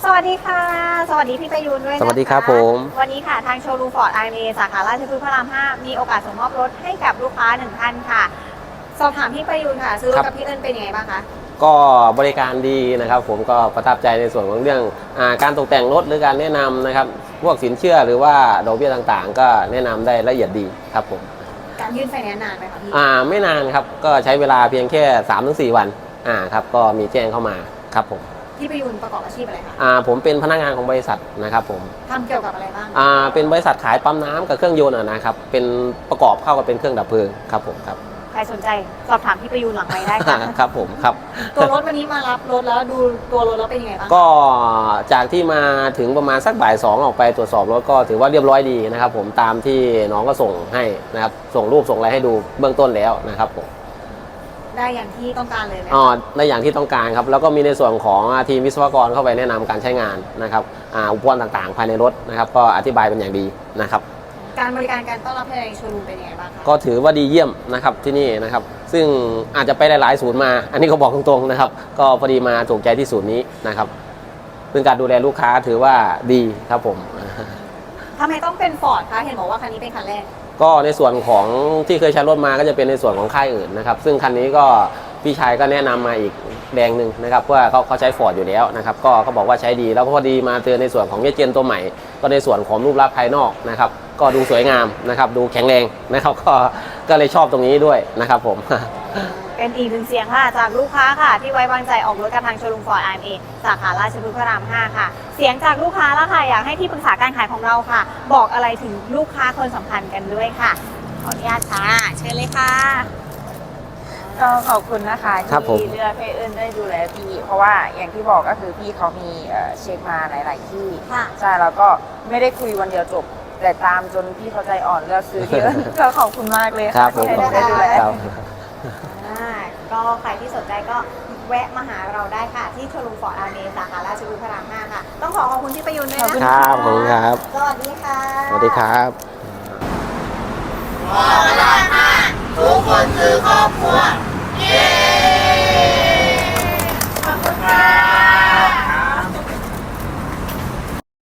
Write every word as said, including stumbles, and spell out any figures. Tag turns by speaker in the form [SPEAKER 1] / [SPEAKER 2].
[SPEAKER 1] วัสดีค่ะสวัสดีพี่ประยูนด้วยนะคะ
[SPEAKER 2] สวัสดีครับผม
[SPEAKER 1] วันนี้ค่ะทางโชว์รูมฟอร์ดไอเอสาขาราชพฤกษ์พระรามห้ามีโอกาสส่งมอบรถให้กับลูกค้าหนึ่งท่านค่ะสอบถามพี่ประยูนค่ะซื้อรถกับพี่เอิญเป็นยังไงบ้างคะ
[SPEAKER 2] ก็บริการดีนะครับผมก็ประทับใจในส่วนของเรื่องอาการตกแต่งรถหรือการแนะนำนะครับพวกสินเชื่อหรือว่าดอกเบี้ยต่างๆ ก็แนะนำได้ละเอียดดีครับผม
[SPEAKER 1] การยื่นไฟแนนซ์นานไหมคะพี่
[SPEAKER 2] อ่าไม่นานครับก็ใช้เวลาเพียงแค่ สามถึงสี่ วันอ่าครับก็มีแจ้งเข้ามาครับผม
[SPEAKER 1] พี่ประยูนประกอบอาชีพอะไรคะ
[SPEAKER 2] อ่าผมเป็นพนักงานของบริษัทนะครับผม
[SPEAKER 1] ทำเกี่ยวกับอะไรบ้าง
[SPEAKER 2] อ่าเป็นบริษัทขายปั๊มน้ำกับเครื่องยนต์นะครับเป็นประกอบเข้ากับเป็นเครื่องดับเพลิงครับผมครับ
[SPEAKER 1] ใครสนใจสอบถามพี่ประยูนหลังไมค์ได้ค่ะ
[SPEAKER 2] ครับผมครับ
[SPEAKER 1] ตัวรถวันนี้มารับรถแล้วดูตัวรถแล้วเป็นยังไงบ้าง
[SPEAKER 2] ก็จากที่มาถึงประมาณสักบ่ายสองออกไปตรวจสอบรถก็ถือว่าเรียบร้อยดีนะครับผมตามที่น้องก็ส่งให้นะครับส่งรูปส่งอะไรให้ดูเบื้องต้นแล้วนะครับผม
[SPEAKER 1] ได้อย่างที่ต้องการเลยไหม
[SPEAKER 2] อ๋อได้อย่างที่ต้องการครับแล้วก็มีในส่วนของทีมวิศวกรเข้าไปแนะนำการใช้งานนะครับอุปกรณ์ต่างๆภายในรถนะครับก็อธิบายเป็นอย่างดีนะครับ
[SPEAKER 1] การบริการการต้อนรับภายในโชว์รูมเป็นยังไงบ้างคะ
[SPEAKER 2] ก็ถือว่าดีเยี่ยมนะครับที่นี่นะครับซึ่งอาจจะไปหลายๆศูนย์มาอันนี้ก็บอกตรงๆนะครับก็พอดีมาถูกใจที่ศูนย์นี้นะครับเป็นการดูแลลูกค้าถือว่าดีครับผม
[SPEAKER 1] ทำไมต้องเป็นฟอร์ดคะเห็นบอกว่าคันนี้เป็นคันแรก
[SPEAKER 2] ก็ในส่วนของที่เคยใช้รถมาก็จะเป็นในส่วนของค่ายอื่นนะครับซึ่งคันนี้ก็พี่ชายก็แนะนำมาอีกแดงหนึ่งนะครับว่าเขาเขาใช้ฟอร์ดอยู่แล้วนะครับก็เขาบอกว่าใช้ดีแล้วพอดีมาเจอในส่วนของเยเจนตัวใหม่ก็ในส่วนของรูปลักษณ์ภายนอกนะครับก็ดูสวยงามนะครับดูแข็งแรงนะครับก็ก็เลยชอบตรงนี้ด้วยนะครับผม
[SPEAKER 1] เป็นอีกหนึ่งเสียงค่ะจากลูกค้าค่ะที่ไว้วางใจออกรถกับทางโชว์รูมฟอร์ดไอเอสาขาราชพฤกษ์พระรามห้าค่ะเสียงจากลูกค้าแล้วค่ะอยากให้ที่ปรึกษาการขายของเราค่ะบอกอะไรถึงลูกค้าคนสำคัญกันด้วยค่ะขออนุญาตค่ะเชิญเลยค่ะ
[SPEAKER 3] ก็ขอบคุณนะคะที่เลือกให้เอิญได้ดูแลพี่เพราะว่าอย่างที่บอกก็คือพี่เขามีเช็คมาหลาย ๆ ที่ใช่แล้วก็ไม่ได้คุยวันเดียวจบแต่ตามจนพี่เขาใจอ่อนเลือกซื้อที่เอิญก็ขอบคุณมากเลยค่ะที่ให้ได้ดูแล
[SPEAKER 1] ก็ใครที่สนใจก็แวะมาหาเราได้ค่ะที่โชว์รูมฟอร์ดไอเอสาขาราชพฤกษ์พระรามห้าค่ะต้องขอขอบคุณที่ประยุนด้วยนะคะ
[SPEAKER 2] ครับผมครับ
[SPEAKER 1] สวัสดีค่ะ
[SPEAKER 2] สวัสดีครับ
[SPEAKER 4] มองตลาดห้าทุกคน